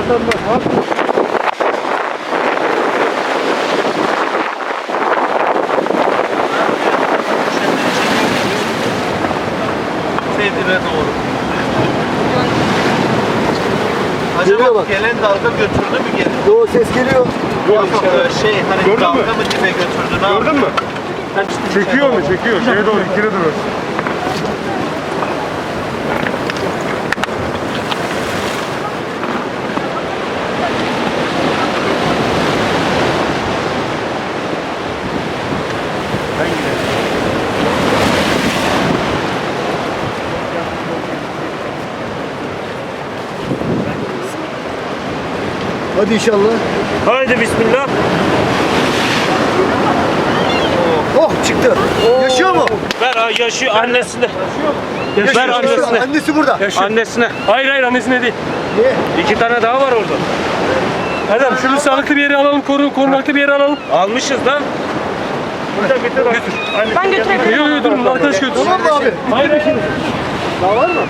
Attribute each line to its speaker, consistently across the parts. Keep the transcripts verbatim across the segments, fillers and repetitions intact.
Speaker 1: vatandaş var.
Speaker 2: Seydire doğru.
Speaker 3: Geliyor
Speaker 2: Acaba
Speaker 3: bak.
Speaker 2: gelen dalga götürdü mü geri?
Speaker 3: Yo, ses geliyor.
Speaker 2: Yok yok e, şey hani
Speaker 1: Gördün
Speaker 2: dalga
Speaker 1: mü?
Speaker 2: mı dibe götürdü ne
Speaker 1: Gördün mü?
Speaker 2: yaptı?
Speaker 1: Çekiyor mu? Çekiyor. Şeye doğru, ikine doğru. Ben gidelim.
Speaker 3: Hadi inşallah.
Speaker 1: Haydi bismillah.
Speaker 3: Oh, çıktı. Yaşıyor mu?
Speaker 4: Ver ha, yaşıyor annesine.
Speaker 3: Yaşıyor.
Speaker 4: Ver annesine.
Speaker 3: Annesi burada.
Speaker 4: Annesine.
Speaker 1: Hayır hayır annesine değil.
Speaker 3: Niye?
Speaker 4: İki tane daha var orada.
Speaker 1: Erdem şunu sağlıklı bir yere alalım, koru, korunaklı bir yere alalım.
Speaker 4: Almışız lan.
Speaker 1: Götür, götür.
Speaker 5: Ben götürebilirim.
Speaker 1: Yok yok durun, arkadaş götür.
Speaker 3: Tamam mı abi?
Speaker 1: Hayır hayır.
Speaker 3: Daha var mı?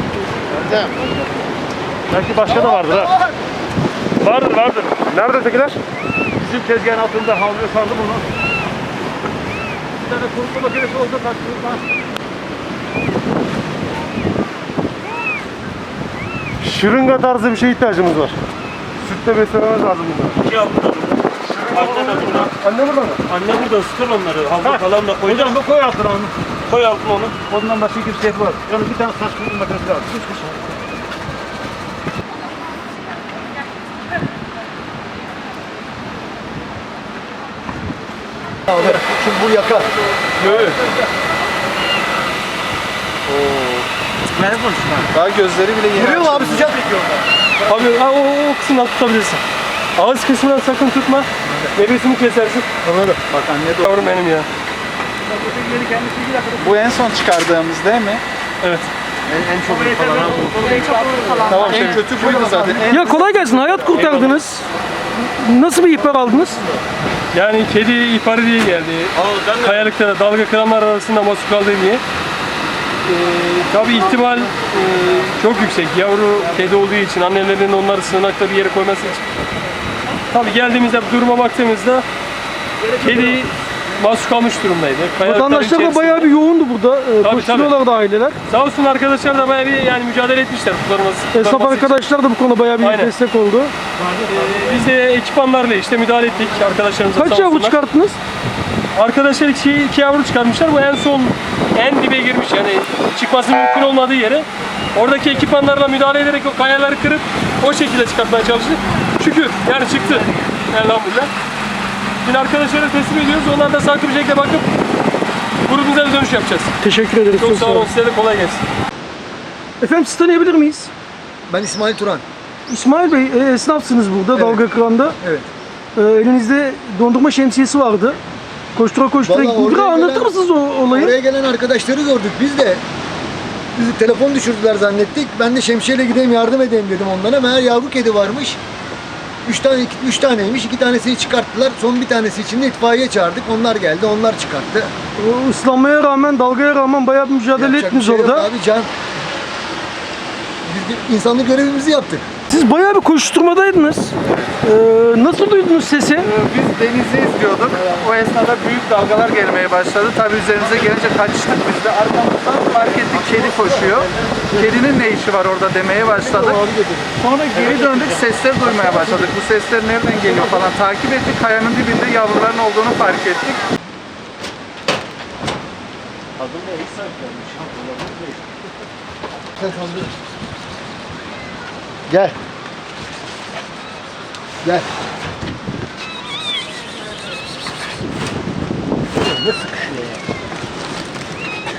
Speaker 1: Belki başka da vardır ha. Vardır vardır. Nerede ötekiler? Bizim tezgahın altında havluya sardım onu. Bir tane kurutma makinesi olsa taktırırlar. Şırınga tarzı bir şeye ihtiyacımız var. Sütle beslememiz lazım bunlar.
Speaker 4: İki yavru da burada. Anne de burada.
Speaker 1: Anne burada mı?
Speaker 4: Anne burada, ısıtır onları. Havlu falan da koy.
Speaker 1: Hocam bu koy altına onu.
Speaker 4: Koy altına onu.
Speaker 1: Ondan başka bir şey var. Yalnız bir tane saç kurutma makinesi lazım. Üç kişi.
Speaker 3: Abi, şimdi bu yakar.
Speaker 1: Evet.
Speaker 2: Daha gözleri bile yeni.
Speaker 3: Görüyor mu abi, sıcak?
Speaker 1: Abi ha, o, o kısmından tutabilirsin. Ağız kısmından sakın tutma. Nefesini kesersin.
Speaker 3: Anladım.
Speaker 2: Bak anne de
Speaker 1: Yavrum benim ya.
Speaker 2: bu en son çıkardığımız değil mi?
Speaker 1: Evet.
Speaker 2: En, en çok falan.
Speaker 3: Tamam,
Speaker 2: En kötü buydu zaten. En
Speaker 6: Ya kolay gelsin, hayat kurtardınız. Nasıl bir ihbar aldınız?
Speaker 1: Yani kedi ihbarı diye geldi. Kayalıkta da dalga kıranlar arasında mahsur kaldı diye. Ee, tabii ihtimal e, çok yüksek. Yavru kedi olduğu için annelerin onları sığınakta bir yere koyması için. Tabii geldiğimizde duruma baktığımızda kedi mahsur kalmış durumdaydı. Kayalıkların
Speaker 6: Vatandaşlar da
Speaker 1: içerisinde.
Speaker 6: bayağı bir yoğundu burada. Ee,
Speaker 1: Tabii,
Speaker 6: Koşturuyorlardı aileler.
Speaker 1: Sağ olsun arkadaşlar da bayağı bir yani mücadele etmişler kurtarması.
Speaker 6: Esnaf
Speaker 1: kurtarması için.
Speaker 6: arkadaşlar da bu konuda bayağı bir
Speaker 1: Aynen.
Speaker 6: destek oldu.
Speaker 1: Ee, biz de ekipmanlarla işte müdahale ettik arkadaşlarımıza.
Speaker 6: Kaç
Speaker 1: sağ
Speaker 6: yavru
Speaker 1: olsunlar.
Speaker 6: çıkarttınız?
Speaker 1: Arkadaşlar iki, iki yavru çıkarmışlar. Bu en son en dibe girmiş yani çıkması mümkün olmadığı yere. Oradaki ekipmanlarla müdahale ederek o kayaları kırıp o şekilde çıkartmaya çalıştık. Şükür yani çıktı. Elhamdülillah. Şimdi arkadaşlara teslim ediyoruz. Onlar da sağlıklı bir şekilde bakıp grubumuza da dönüş yapacağız.
Speaker 6: Teşekkür ederiz.
Speaker 1: Çok sağ olun. Size de kolay gelsin.
Speaker 6: Efendim sizi tanıyabilir miyiz?
Speaker 3: Ben İsmail Turan.
Speaker 6: İsmail Bey, e, esnafsınız burada,
Speaker 3: Evet.
Speaker 6: Dalga Kıran'da.
Speaker 3: Evet.
Speaker 6: E, elinizde dondurma şemsiyesi vardı. Koştura koştura
Speaker 3: Vallahi
Speaker 6: gittiniz.
Speaker 3: oraya
Speaker 6: Biraz anlatır
Speaker 3: gelen-
Speaker 6: mısınız o olayı?
Speaker 3: Oraya gelen arkadaşları gördük. Biz de bizi telefon düşürdüler zannettik. Ben de şemsiyeyle gideyim yardım edeyim dedim onlara. Meğer yavru kedi varmış. Üç tane, iki- üç taneymiş. İki tanesini çıkarttılar. Son bir tanesi için de itfaiye çağırdık. Onlar geldi. Onlar çıkarttı.
Speaker 6: O ıslanmaya rağmen, dalgaya rağmen bayağı bir mücadele
Speaker 3: Yapacak bir
Speaker 6: ettiniz
Speaker 3: şey yok
Speaker 6: orada.
Speaker 3: Abi can. Biz de insanlık görevimizi yaptık.
Speaker 6: Siz bayağı bir koşturmadaydınız. Ee, nasıl duydunuz sesi?
Speaker 2: Biz denizi izliyorduk. O esnada büyük dalgalar gelmeye başladı. Tabii üzerimize gelince kaçtık biz de. Arkamızdan fark ettik kedi koşuyor. Kedinin ne işi var orada demeye başladık. Sonra geri döndük, sesler duymaya başladık. Bu sesler nereden geliyor falan takip ettik. Kayanın dibinde yavruların olduğunu fark ettik.
Speaker 3: Gel. Gel. Ne sıkış.